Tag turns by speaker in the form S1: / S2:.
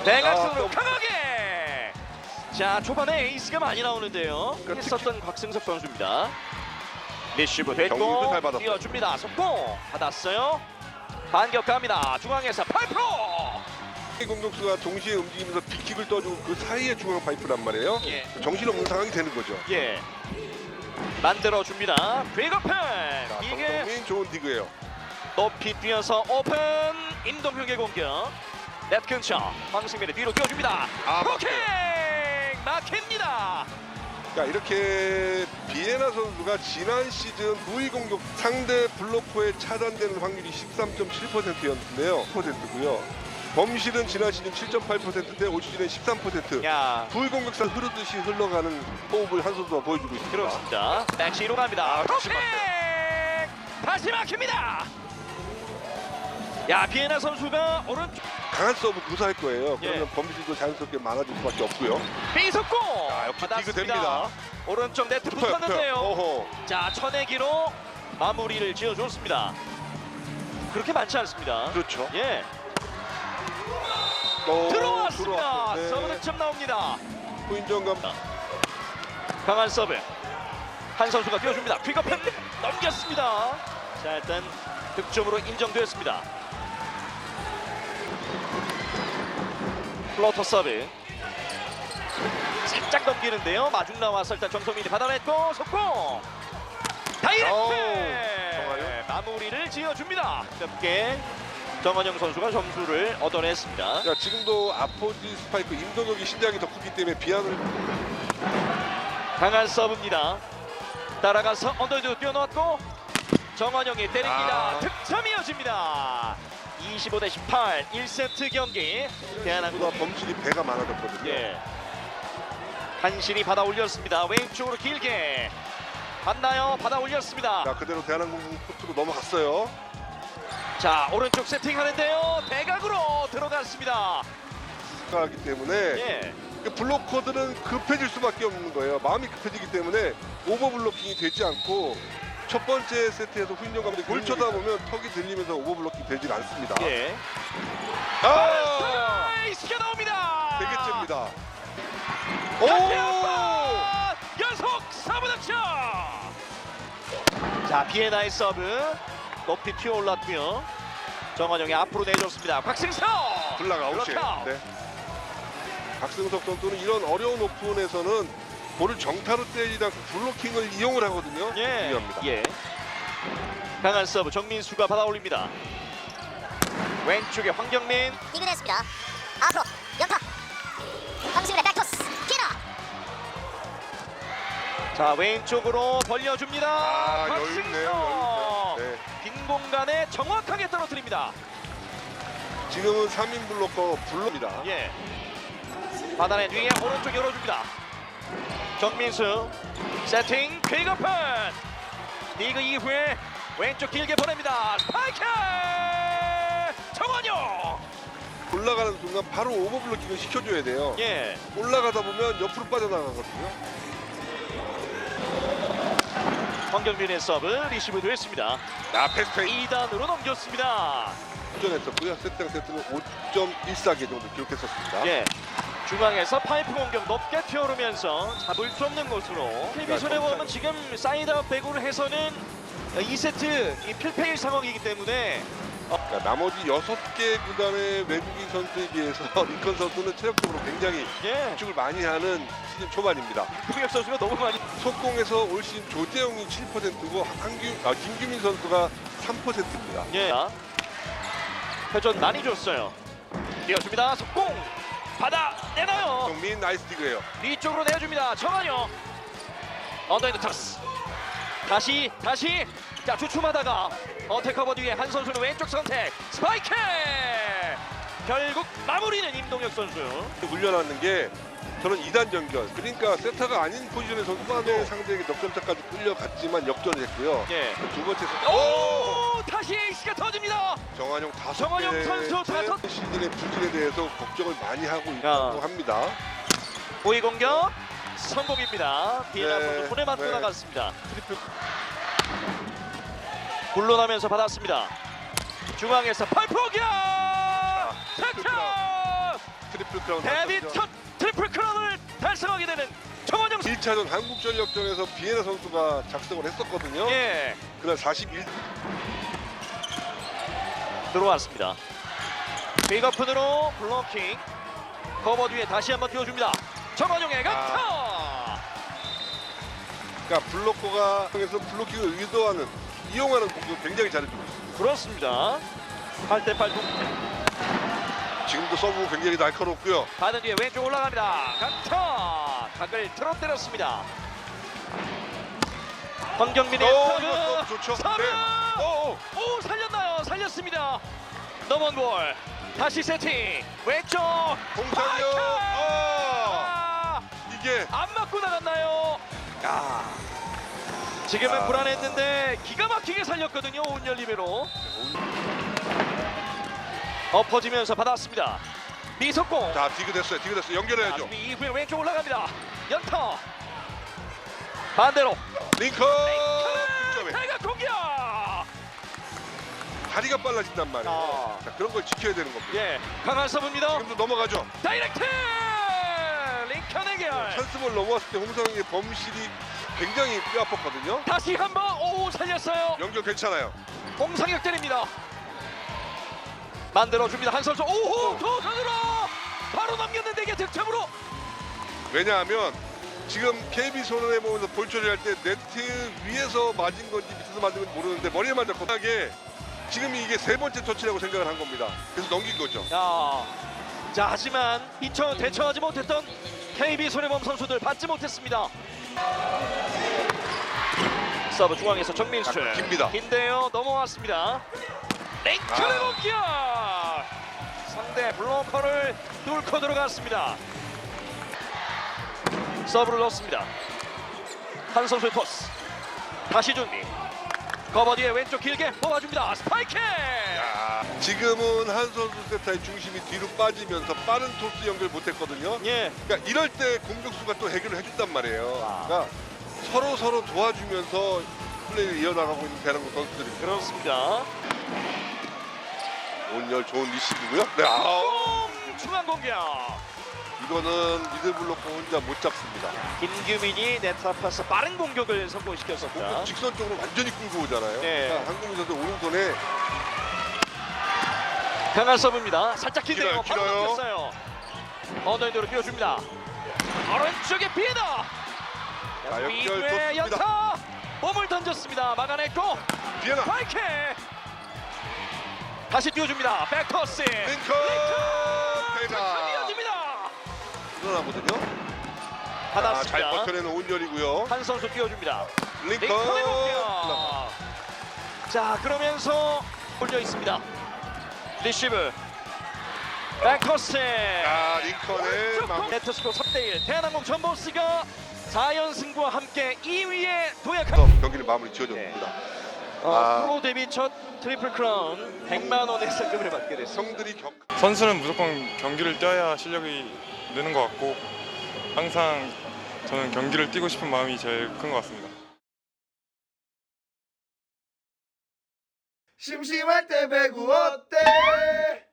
S1: 대각선으로 강하게. 자, 초반에 에이스가 많이 나오는데요. 했었던 곽승석 선수입니다. 리시브
S2: 경기도
S1: 됐고
S2: 잘 받았어요.
S1: 띄워줍니다. 속공 받았어요. 반격합니다. 중앙에서 8%.
S2: 공격수가 동시에 움직이면서 빅킥을 떠주고 그 사이에 중앙 파이프란 말이에요.
S1: 예.
S2: 정신없는 상황이 되는 거죠.
S1: 예. 만들어줍니다. 빅오픈.
S2: 자,
S1: 이게
S2: 정성민 좋은 디그예요.
S1: 높이 뛰어서 오픈. 임동혁의 공격. 넷 근처. 황승민의 뒤로 띄워줍니다. 브로킹 막힙니다.
S2: 자, 이렇게 비에나 선수가 지난 시즌 후위 공격 상대 블로커에 차단되는 확률이 13.7%였는데요. 10%고요. 범실은 지난 시즌 7.8%인데 올 시즌은 13%.
S1: 야,
S2: 후위 공격상 흐르듯이 흘러가는 호흡을 한 선수가 보여주고 있습니다.
S1: 그렇습니다. 백시로 갑니다.
S2: 다시
S1: 브로킹 다시 막힙니다. 야, 비에나 선수가 오른쪽
S2: 강한 서브 구사할 거예요. 그러면
S1: 예.
S2: 범실도 자연스럽게 많아질 수밖에 없고요.
S1: 삐속고
S2: 자, 역시 디그
S1: 받았습니다.
S2: 됩니다.
S1: 오른쪽 네트
S2: 붙어요,
S1: 붙었는데요.
S2: 어허.
S1: 자, 천내기로 마무리를 지어줬습니다. 그렇게 많지 않습니다.
S2: 그렇죠.
S1: 예, 들어왔습니다.
S2: 들어왔어요. 네.
S1: 서브 득점 나옵니다.
S2: 후인정감.
S1: 강한 서브. 한 선수가 뛰어줍니다. 퀵업했 넘겼습니다. 자, 일단 득점으로 인정되었습니다. 플로터 서브. 살짝 넘기는데요. 마중 나와서 일단 정성민이 받아냈고 속공. 다이렉트.
S2: 정한영.
S1: 마무리를 지어줍니다. 가볍게 정한영 선수가 점수를 얻어냈습니다.
S2: 자, 지금도 아포지 스파이크 임동혁이 신장이 더 크기 때문에 비안을
S1: 강한 서브입니다. 따라가서 언더헤드 뛰어놓았고 정한영이 때립니다. 득점이 이어집니다. 25대18 1세트 경기. 대한항공
S2: 범실이 배가 많아졌거든요.
S1: 예. 한신이 받아 올렸습니다. 왼쪽으로 길게 받나요? 받아 올렸습니다.
S2: 자, 그대로 대한항공 코트로 넘어갔어요.
S1: 자, 오른쪽 세팅하는데요. 대각으로 들어갔습니다.
S2: 하기 때문에
S1: 예.
S2: 그 블로커들은 급해질 수밖에 없는 거예요. 마음이 급해지기 때문에 오버 블로킹이 되지 않고 첫 번째 세트에서 후인정 감독이 볼 쳐다보면 턱이 들리면서 오버 블로킹 되질 않습니다.
S1: 예.
S2: 아!
S1: 스가 나옵니다.
S2: 4개째입니다. 오!
S1: 연속 서브 득점. 자, 비에나의 서브 높이 튀어 올랐고요. 정한영이 앞으로 내줬습니다. 곽승석
S2: 블락 아웃이에요.
S1: 블락아웃.
S2: 네. 박승석 선수는 이런 어려운 오픈에서는 볼을 정타로 때리지 않고 블로킹을 이용을 하거든요.
S1: 예.
S2: 중요합니다.
S1: 예. 강한 서브 정민수가 받아 올립니다. 왼쪽에 황경민.
S3: 이근했습니다. 앞으로 연타. 황승민의 백토스 피나.
S1: 자, 왼쪽으로 벌려줍니다.
S2: 아, 여유
S1: 곽승석.
S2: 있네요. 여유 있네요. 네.
S1: 빈 공간에 정확하게 떨어뜨립니다.
S2: 지금은 3인 블로커 블로입니다.
S1: 예. 받아낸 뒤에 오른쪽 열어줍니다. 정민수 세팅 퀵오픈. 리그 이후에 왼쪽 길게 보냅니다. 스파이크 정원영.
S2: 올라가는 순간 바로 오버 블로킹을 시켜줘야 돼요.
S1: 예.
S2: 올라가다 보면 옆으로 빠져나가거든요.
S1: 황경민의 서브 리시브 됐습니다.
S2: 패스페이
S1: 2단으로 넘겼습니다.
S2: 도전했었고요. 세트당 세트는 5.14개 정도 기록했었습니다.
S1: 예. 중앙에서 파이프 공격 높게 튀어오르면서 잡을 수 없는 곳으로 KB 손해보험은 지금 사이드아웃 배구를 해서는 2세트 이 필패일 상황이기 때문에
S2: 그러니까 나머지 6개 구단의 외국인 선수에 비해서 리컨 선수는 체력적으로 굉장히
S1: 예.
S2: 압축을 많이 하는 시즌 초반입니다.
S1: 구병혁 선수가 너무 많이
S2: 속공에서 올 시즌 조재영이 7%고 김규민 선수가 3%입니다.
S1: 예. 회전 많이 줬어요. 뛰어줍니다. 속공 받아 내놔요.
S2: 정민 나이스 디그예요.
S1: 뒤쪽으로 내줍니다. 정한영 언더핸드 터스. 다시 자, 주춤하다가 어택커버 뒤에 한 선수는 왼쪽 선택 스파이크. 결국 마무리는 임동혁 선수.
S2: 물려놨는 게 저는 2단 연결. 그러니까 세터가 아닌 포지션의 선수만의 상대에게 넉점차까지 끌려갔지만 역전을 했고요.
S1: 예.
S2: 두 번째 세트.
S1: 오! 다시 에이스가 터집니다.
S2: 정한용
S1: 정한용 선수 다섯
S2: 시즌의 부진에 대해서 걱정을 많이 하고
S1: 야.
S2: 있다고 합니다.
S1: 오이 공격 성공입니다. 비에나
S2: 네,
S1: 선수 손에 맞고
S2: 네.
S1: 나갔습니다. 트리플 굴러나면서 받았습니다. 중앙에서 팔포기야 득점.
S2: 트리플 트리플 크라운
S1: 데뷔
S2: 달성이죠.
S1: 첫 트리플 크라운을 달성하게 되는 정원영 선수.
S2: 1차전 한국전력전에서 비에나 선수가 작성을 했었거든요.
S1: 예,
S2: 그날 41.
S1: 들어왔습니다. 빅오픈으로 블로킹. 커버 뒤에 다시 한번 띄워줍니다. 정원영의 강타.
S2: 그러니까 블로커가 통해서 블로킹을 의도하는 이용하는 공격 굉장히 잘해주고 있습니다.
S1: 그렇습니다. 8대8 동.
S2: 지금도 서브 굉장히 날카롭고요.
S1: 받은 뒤에 왼쪽 올라갑니다. 강타. 각을 틀어 때렸습니다. 황경민의
S2: 이거 서브 좋죠.
S1: 서브.
S2: 네.
S1: 오, 살렸나요? 살렸습니다. 넘어온 볼. 다시 세팅. 왼쪽.
S2: 홍상영.
S1: 아,
S2: 이게
S1: 안 맞고 나갔나요? 지금은 불안했는데 기가 막히게 살렸거든요. 온열 리베로. 엎어지면서 받았습니다. 미석공.
S2: 자 디그됐어요. 연결해야죠.
S1: 수비 이후에 왼쪽 올라갑니다. 연타. 반대로.
S2: 링컨. 득점에
S1: 대각 공격.
S2: 다리가 빨라진단 말이에요.
S1: 아.
S2: 자, 그런 걸 지켜야 되는 겁니다.
S1: 예, 강한 서브입니다.
S2: 지금도 넘어가죠.
S1: 다이렉트. 링컨 해결.
S2: 찬스볼 넘어왔을 때 홍성희의 범실이 굉장히 뼈 아팠거든요.
S1: 다시 한번 오 살렸어요.
S2: 연결 괜찮아요.
S1: 홍상혁 때립니다. 만들어줍니다. 한 선수. 오호 도전으로 바로 넘겼는데 이게 득점으로.
S2: 왜냐하면 지금 KB 손해보면서 볼 처리할 때 네트 위에서 맞은 건지 밑에서 맞은 건지 모르는데 머리에 맞았고 하게 지금 이게 세 번째 터치라고 생각을 한 겁니다. 그래서 넘긴 거죠.
S1: 자 하지만 이처 대처하지 못했던 KB 손해범 선수들 받지 못했습니다. 서브 중앙에서 정민수.
S2: 깁니다.
S1: 긴데요 넘어왔습니다. 랭크의 공격. 상대 블로커를 뚫고 들어갔습니다. 서브를 넣습니다. 한 선수의 토스. 다시 준비. 커버 뒤에 왼쪽 길게 뽑아줍니다. 스파이크.
S2: 지금은 한 선수 세타의 중심이 뒤로 빠지면서 빠른 토스 연결 못했거든요.
S1: 예.
S2: 그러니까 이럴 때 공격수가 또 해결을 해준단 말이에요. 그러니까 서로 도와주면서 플레이를 이어나가고 있는 대한민국 선수들입니다.
S1: 그렇습니다.
S2: 온열 좋은 리시브고요. 네,
S1: 중앙 공격.
S2: 이거는 미들블로커 혼자 못 잡습니다.
S1: 김규민이 네트 앞에서 빠른 공격을 성공시켰었다.
S2: 공격 직선 쪽으로 완전히 끌고 오잖아요.
S1: 네.
S2: 그러니까 한국민 선수 오른손에
S1: 강한 서브입니다. 살짝 긴데요. 바로
S2: 길어요.
S1: 넘겼어요. 언더핸드로 띄워줍니다. 오른쪽에 비에나.
S2: 자, 연결
S1: 이후에
S2: 좋습니다.
S1: 연타. 몸을 던졌습니다. 막아냈고
S2: 비에나
S1: 파이크. 다시 띄워줍니다. 백토스.
S2: 링컨 대자
S1: 이어집니다.
S2: 일어나거든요. 잘
S1: 받았습니다.
S2: 버텨내는 온열이고요.
S1: 한 선수 띄워줍니다.
S2: 링컨
S1: 링컨의 공격. 자 그러면서 올려 있습니다. 리시브. 백토스.
S2: 링컨의
S1: 네트스코 3대1 대한항공 전보스가 4연승과 함께 2위에 도약한
S2: 경기를 마무리 지어줬습니다.
S1: 프로 데뷔 첫 트리플 크라운 100만 원의 상금을 받게 됐습니다.
S2: 성들이
S4: 선수는 무조건 경기를 뛰어야 실력이 느는 것 같고 항상 저는 경기를 뛰고 싶은 마음이 제일 큰 것 같습니다.
S5: 심심할 때 배구 어때?